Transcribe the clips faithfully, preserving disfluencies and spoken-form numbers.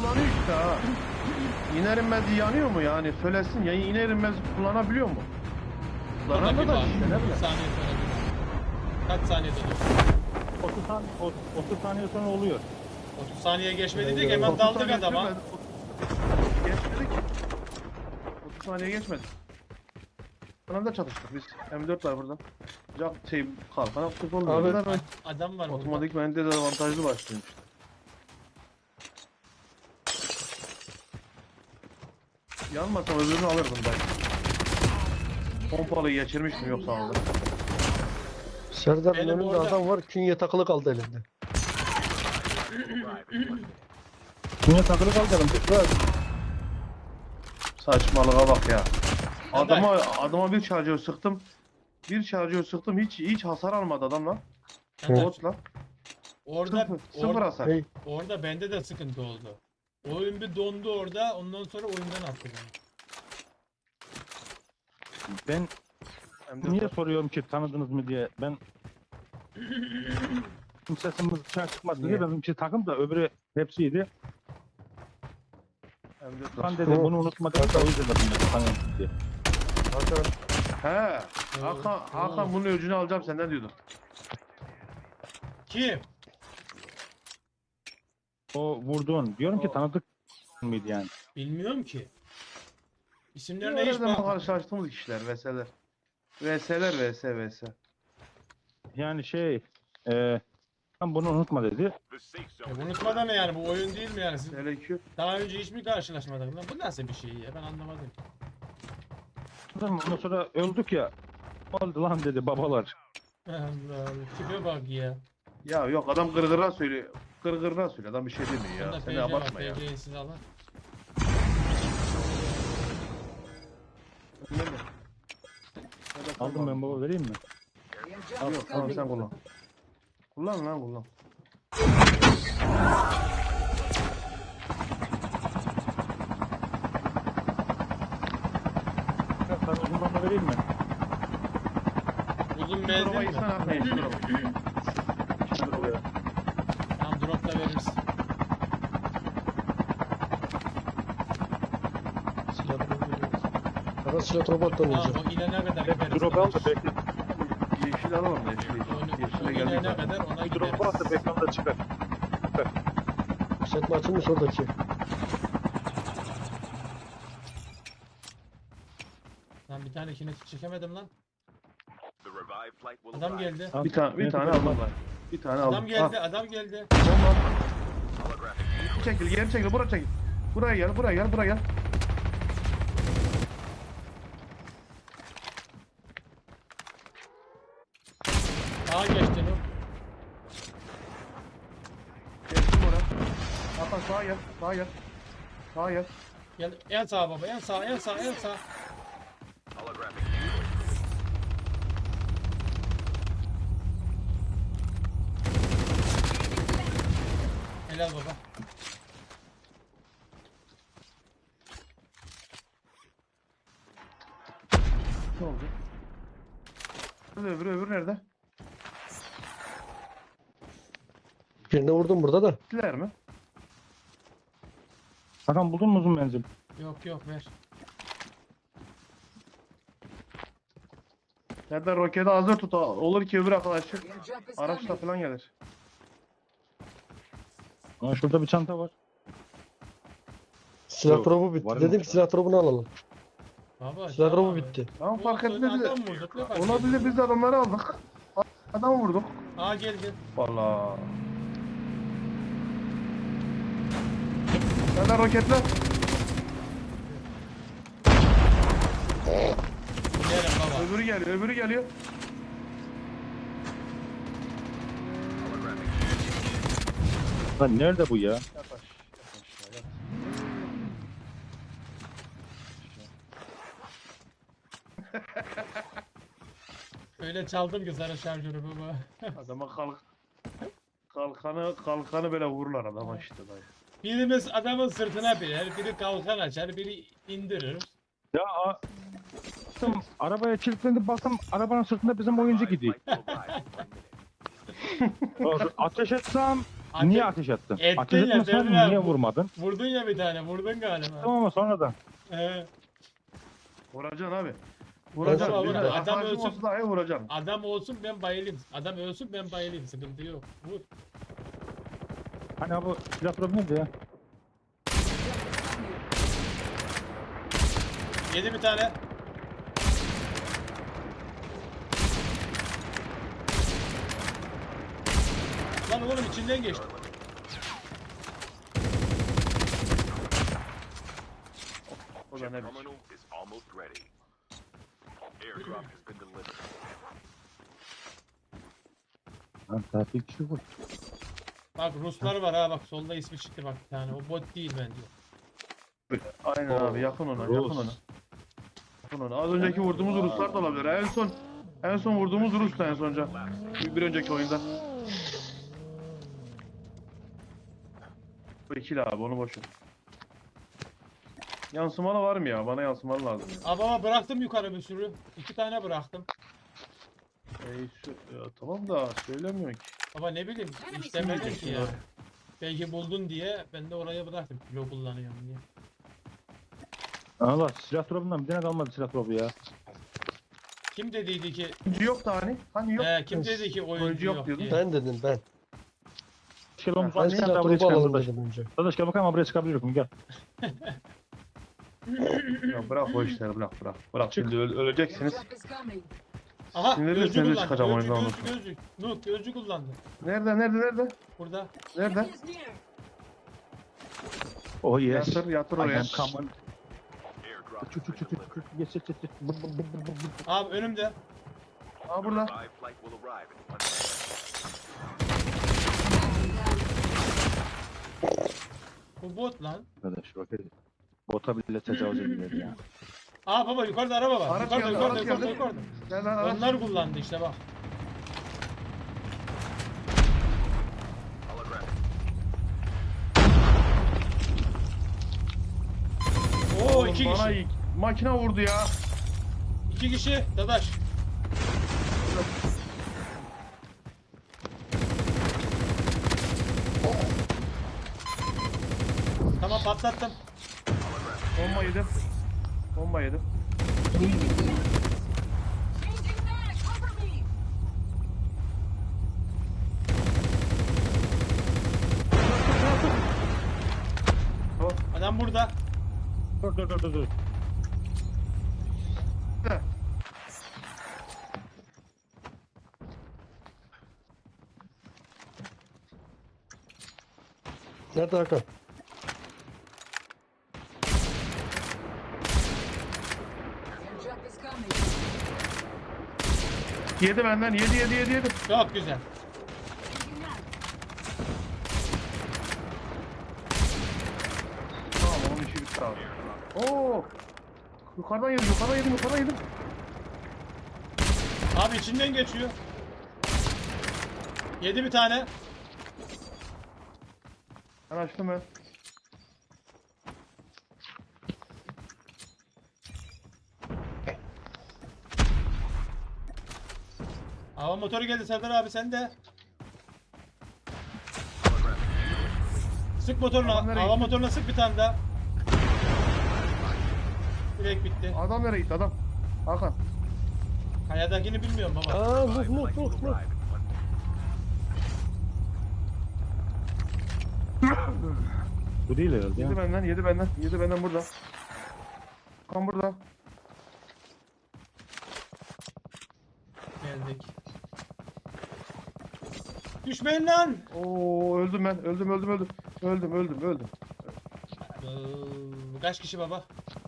yanıyor işte ha. İner inmez yanıyor mu yani? Söylesin ya, iner inmez kullanabiliyor mu? Burada bir Kullanamıyor da var. işte ne Bir bileyim. saniye sonra bir var. Kaç saniyede dur? otuz saniye, otuz saniye sonra oluyor. otuz saniye geçmedi Ben de hemen otuz daldık saniye adama. sürmedi. Geçmedi ki. otuz saniye geçmedi. Kanalda çalıştık biz. M dört var burada. Cak şey kalkan aktif olmuyor. Abi- Abi, ben Adam var burada. otomatik bende de avantajlı başlıyor işte. Yanmasam öbürünü alırdım ben. Pompalıyı geçirmiştim yoksa alırdım. Serdar'ın Benim önünde orada- adam var. Künye takılı kaldı elinde. Dünya takılı kalacağım. Biraz. Saçmalığa bak ya. Adam- Adama adama bir şarjör sıktım. Bir şarjör sıktım, hiç hiç hasar almadı adam lan. Adam- Bot lan. Orada, Sıfır, sıfır orada, hasar. Hey, orada bende de sıkıntı oldu. Oyun bir dondu orada. Ondan sonra oyundan attı beni. Ben Hem de niye soruyorum ki tanıdınız mı diye. Ben kimsesimiz dışarı çıkmadı diye. Niye? Benim şey takım da öbürü hepsiydi. hem de Ben dedi bunu unutma dedi. O yüzden dedim dedi, tanıyorum diye. Hakan. He. Hakan, Hakan bunun öcünü alacağım senden diyordu. Kim? O vurduğun. Diyorum ki O- tanıdık mıydı yani? Bilmiyorum ki. İsimlerine hiç Nereden bak. karşılaştığımız kişiler, veseler. Veseler, vese, vese. Yani şey e, ben bunu unutma dedi. Ya unutmadan ne yani, bu oyun değil mi yani? Siz Selamünaleyküm. daha önce hiç mi karşılaşmadınız lan? Bu nasıl bir şey ya? Ben anlamadım. Ondan sonra öldük ya. Oldu lan dedi babalar. Allah Allah. Tipe bak ya. Ya yok adam gırgırına söylüyor. Gırgırına söylüyor. Adam bir şey demiyor ya. Bunda Sen P de C var. abartma ya. P C'yi siz alın. Nerede? Nerede Aldım ben baba vereyim mi? Yok tamam sen kullan. Kullan lan kullan. Ya, sarı uzundan da vereyim mi? Uzun Duruma menzil mi? gitsen Hakan yeşil duruma. Yeşil duruma. Tamam, drop da veririz. Silah robot. Hakan silah robot da Tamam, oynayacak. o inene kadar gideriz. Drop al da bekle. Yeşil alalım da yeşil. Oyunu- Yeşile o geldik inene zaten. kadar ona Bir drop gideriz. varsa bekle da çıkar. Setme açılmış oradaki. Lan bir tane kinetik çekemedim lan. Adam geldi. Bir tane bir tane aldım ben. Bir tane aldım. Adam geldi, adam geldi. Tamam. Çekil, geri çekil, buraya çekil. Buraya gel, buraya gel, buraya gel. Sağa geçti Nur. Geçtim oraya. Hakan sağa gel, sağa gel. Sağa gel. Gel en sağa baba, en sağa, en sağa, en sağa. Helal baba. Ne oldu? Öbürü, öbürü, öbürü nerede? Birine vurdum burada da. Gittiler mi? Hakan buldun mu uzun menzil? Yok yok ver. Nerede roketi hazır tut. Olur ki öbür arkadaşı araçla falan gelir. Aa, şurada bir çanta var. Silah Yok, dropu bitti. var mı? Dedim ki silah dropunu alalım. Baba. Silah tamam. dropu bitti. Tamam fark Olsun, etmedi. adam vurduk, ne fark Olabilir ediyor? biz de adamları aldık. Adamı vurduk. Aa geldi. Valla. Nerede roketler? Gidelim baba. Öbürü geliyor, öbürü geliyor. Lan nerede bu ya? Yat aşağı, yat aşağı, yat. Öyle çaldım ki sana şarjörü baba. Adama kalk. Kalkanı, kalkanı böyle vururlar adama işte dayı. Birimiz adamın sırtına biner, biri kalkan açar, biri indirir. Ya a- baktım, arabaya kilitlendim baktım arabanın sırtında bizim oyuncu gidiyor. Ateş etsem Ate- Niye ateş attın? Ettin Ateş ya, etmesen Devran. niye vurmadın? Vurdun ya bir tane. Vurdun galiba. Tamam ama sonradan. Ee, Vuracaksın abi. Vur, Vuracaksın. vur, Bir vur. de Adam arkadaşın ölsün. olsa dahi vuracaksın. adam olsun ben bayılayım. Adam ölsün ben bayılayım. Sıkıntı yok. Vur. Hani bu silah durumu neydi ya? Yedi bir tane. Lan oğlum içinden geçti. O da Chip ne biçim. terminal is almost ready. Airdrop has been delivered. Lan tatil kişi bu. Bak Ruslar var ha bak solda ismi çıktı bak bir tane. O bot değil bence. Aynen abi yakın ona yakın Rus. ona. Yakın ona. Az önceki vurduğumuz Ruslar da olabilir. En son en son vurduğumuz Rus'tu en sonca. Bir, bir önceki oyunda. Bu ikili abi onu boş ver. Yansımalı var mı ya? Bana yansımalı lazım. Ya. Abi ama bıraktım yukarı bir sürü. İki tane bıraktım. Ey, şu, ya, tamam da söylemiyor ki. Baba ne bileyim istemedin ki ya. Belki buldun diye ben de oraya bıraktım. Kilo kullanıyorum diye. Allah silah durumundan bir tane kalmadı silah durumu ya. Kim dediydi ki Oyuncu yok da hani. Hani yok. He, kim dedi ki oyuncu, Oyuncu yok yok, diyordun. diye. Ben dedim ben. Gel oğlum Ben Ben sen silah de buraya grubu çıkalım alalım arkadaş. dedim önce. Arkadaş gel bakalım buraya çıkabiliyorum gel. Ya bırak o işleri bırak bırak. Bırak şimdi öl- öleceksiniz. Aha Sinirli gözcü sinirli kullandı. çıkacağım Gözcü, oyundan gözcü, gözcü. Nuh gözcü kullandı. Nerede nerede nerede? Burada. Nerede? Oh yes. Yatır yatır I oraya. am coming. Airdrop Çık has çık been çık çık delivered. çık. Geç geç geç. geç. Bır, bır, bır, bır, bır, bır. Abi önümde. Aa burada. Revived flight will arrive in one minute. Bu bot lan. Arkadaş bak hadi. Bota bile tecavüz edilir ya. Aa baba yukarıda araba var. Araç yukarıda geldi, yukarıda araç yukarıda geldi. yukarıda. Gel lan araç. Onlar kullandı işte bak. Holographic. Oo Oğlum iki bana kişi. ilk makine vurdu ya. İki kişi. Dadaş. Tamam patlattım. Bomba yedim. Bomba yedim. Tamam. Adam burada. Dur dur dur dur. dur. De. Nerede Hakan? Yedi benden yedi yedi yedi yedi. Çok güzel. Tamam onun işi bitti abi. Oo. Yukarıdan yedim yukarıdan yedim yukarıdan yedim. Abi içinden geçiyor. Yedi bir tane. Ben açtım ben. Hava motoru geldi Serdar abi sen de. Sık motoruna. Adam nereye Hava gitti? motoruna sık bir tane daha. Direkt bitti. Adam nereye gitti adam? Hakan. Kayadakini bilmiyorum baba. Aa Nuh Revived Nuh flight will Nuh Nuh. arrive in one minute. Bu değil herhalde ya. Yedi benden yedi benden yedi benden burada. Hakan burada. Geldik. Düşmeyin lan. Oo öldüm ben öldüm öldüm öldüm. Öldüm öldüm öldüm. Ee, Kaç kişi baba?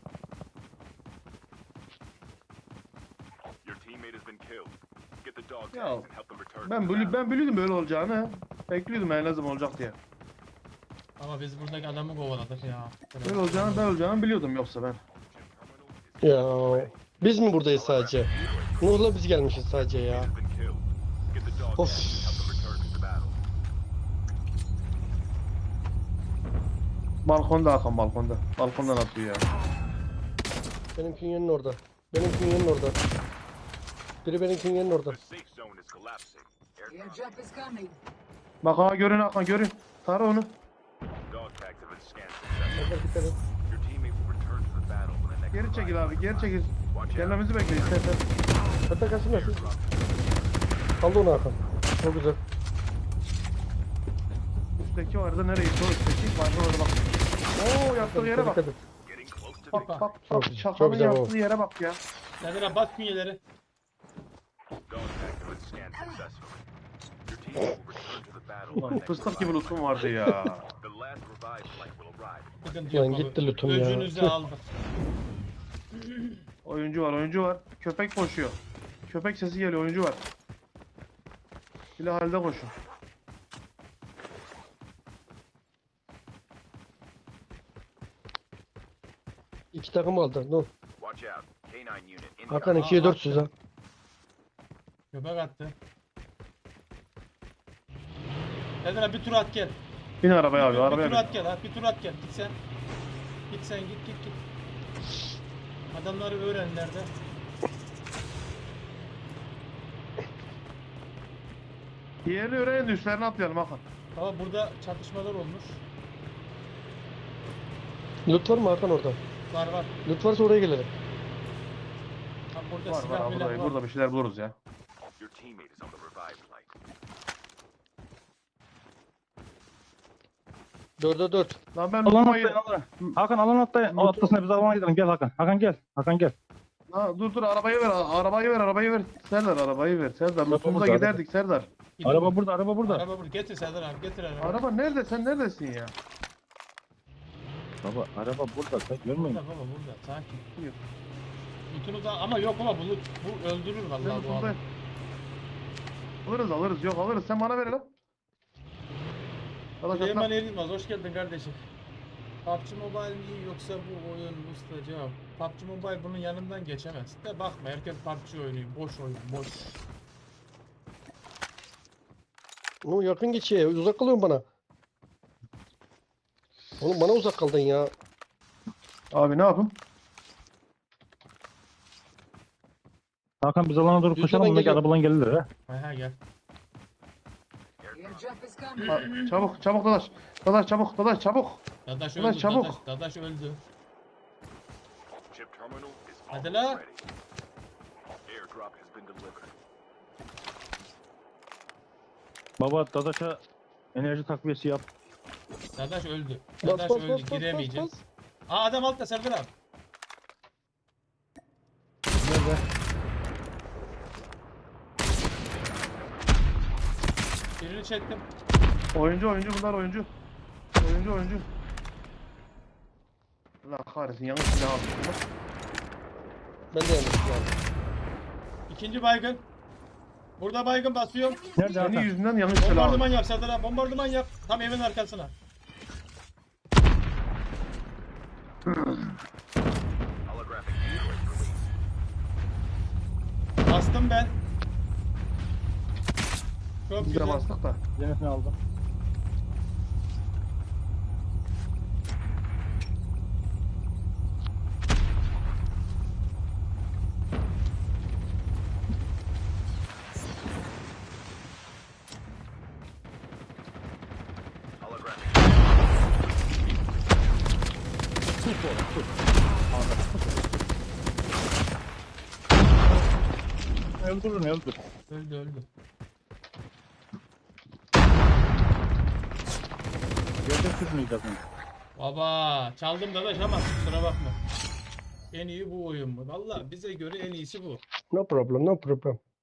Your teammate has been killed. Get the dog Ya, tags and help them return. Ben, to the bili battle. ben biliyordum böyle olacağını. Bekliyordum en lazım olacak diye. Ama biz buradaki adamı kovaladık ya. Böyle olacağını ben olacağını biliyordum yoksa ben. Ya biz mi buradayız sadece? Nuh'la biz gelmişiz sadece ya. Has been killed. Get the dog Of. tags and help them return to the battle. Balkonda Hakan balkonda. Balkondan atıyor ya. Benim künyenin orada. Benim künyenin orada. Biri benim künyenin orada. The safe zone is collapsing. Airdrop Airdrop is coming. Bak ha görün Hakan görün. Tara onu. Dog tags have been scanned successfully. Serdar dikkat et. Your teammate will return to the battle when the next Geri çekil revive abi geri çekil. Watch out. Gelmemizi bekle istersen. Serdar kaçın nasıl? Kaldı onu Hakan. Çok güzel. Üstteki vardı nereye gitti o üstteki? Vardı orada bak. Oo yaptığı yere bak. Dikkat et. Getting close to Bak victory. bak Çok bak. güzel, Şakanın çok güzel bu. yaptığı yere bak ya. Serdar abi bas künyeleri. Dog tags have been scanned successfully. Your teammate will return to the battle when Ulan the next fıstık gibi revive lootum vardı ya. The last revive flight will arrive. Sıkıntı Ulan yok baba. gitti lütfen ya. Öcünüzü Tüh. aldık. Oyuncu var oyuncu var. Köpek koşuyor. Köpek sesi geliyor oyuncu var. Bile halde koşun. İki takım aldı. Dur. Watch out. K nine unit incoming. Hakan ikiye dört süz ha. Köpek attı. Serdar abi bir tur at gel. Bin arabaya abi bir, arabaya bir tur bin. at gel ha. Bir tur at gel. Git sen. Git sen git git git. Adamları öğren nerede. Diğerini öğrenin de üstlerine atlayalım Hakan. Baba burada çatışmalar olmuş. Loot var mı Hakan orada? Var var. Loot varsa oraya gelelim. Ha, burada Var var silah abi milah burada, var. burada bir şeyler buluruz ya. Your teammate is on the revive flight. Dörde dört. Lan ben Alan lootmayı... atlayın alana. Hakan alan atlayın. O atlasına biz alana gidelim. Gel Hakan. Hakan gel. Hakan gel. Ha, dur dur arabayı ver arabayı ver arabayı ver. Serdar arabayı ver Serdar. Lootumuza burada, giderdik Serdar. Gidin. Araba burada. Araba burada. Araba burada. Getir Serdar abi getir araba. Araba nerede sen neredesin ya? Baba araba burada. Sen görmüyor Burada musun? baba burada. Sakin. Yok. Lutunu da ama yok baba bu loot. Bu öldürür Ben vallahi bu adam. lootundayım. Alırız alırız yok alırız sen bana ver lan. Arkadaşlar Süleyman Erilmaz hoş geldin kardeşim. P U B G Mobile mi yoksa bu oyun usta cevap. P U B G Mobile bunun yanından geçemez. De bakma herkes P U B G oynuyor. Boş oyun boş. O yakın geçiyor. Uzak kalıyorsun bana. Oğlum bana uzak kaldın ya. abi ne yapayım? Hakan biz alana doğru Düzden koşalım. Bundaki geliyor. arabalan gelirler ha. Aha gel. Airdrop is coming. Ha, çabuk çabuk dadaş. Dadaş çabuk dadaş çabuk. Dadaş Ulan öldü. çabuk. Dadaş, Dadaş öldü. Chip terminal is Hadi almost la. ready. Airdrop has been delivered. Baba Dadaş'a enerji takviyesi yap. Dadaş öldü. Bas Dadaş bas öldü. bas bas bas Giremeyeceğim. bas. Aa adam altta Serdar abi. Nerede? Birini çektim. Oyuncu oyuncu bunlar oyuncu. Oyuncu oyuncu. Allah kahretsin yanlış silah aldım. Ben de yanlış yani. İkinci baygın. Burada baygın basıyorum. Nerede Senin Hakan? yüzünden yanlış silah aldım. Bombardıman yap Serdar abi. Bombardıman yap. Tam evin arkasına. Holographic decoys released. Bastım ben. Çok Biz de güzel. bastık da. Zeynep'ini aldım. Holographic. Öldürün öldür. Öldü öldü. Yerde sürmeyeceğiz onu. Baba çaldım Dadaş ama kusura bakma. En iyi bu oyun mu? Valla bize göre en iyisi bu. No problem, no problem.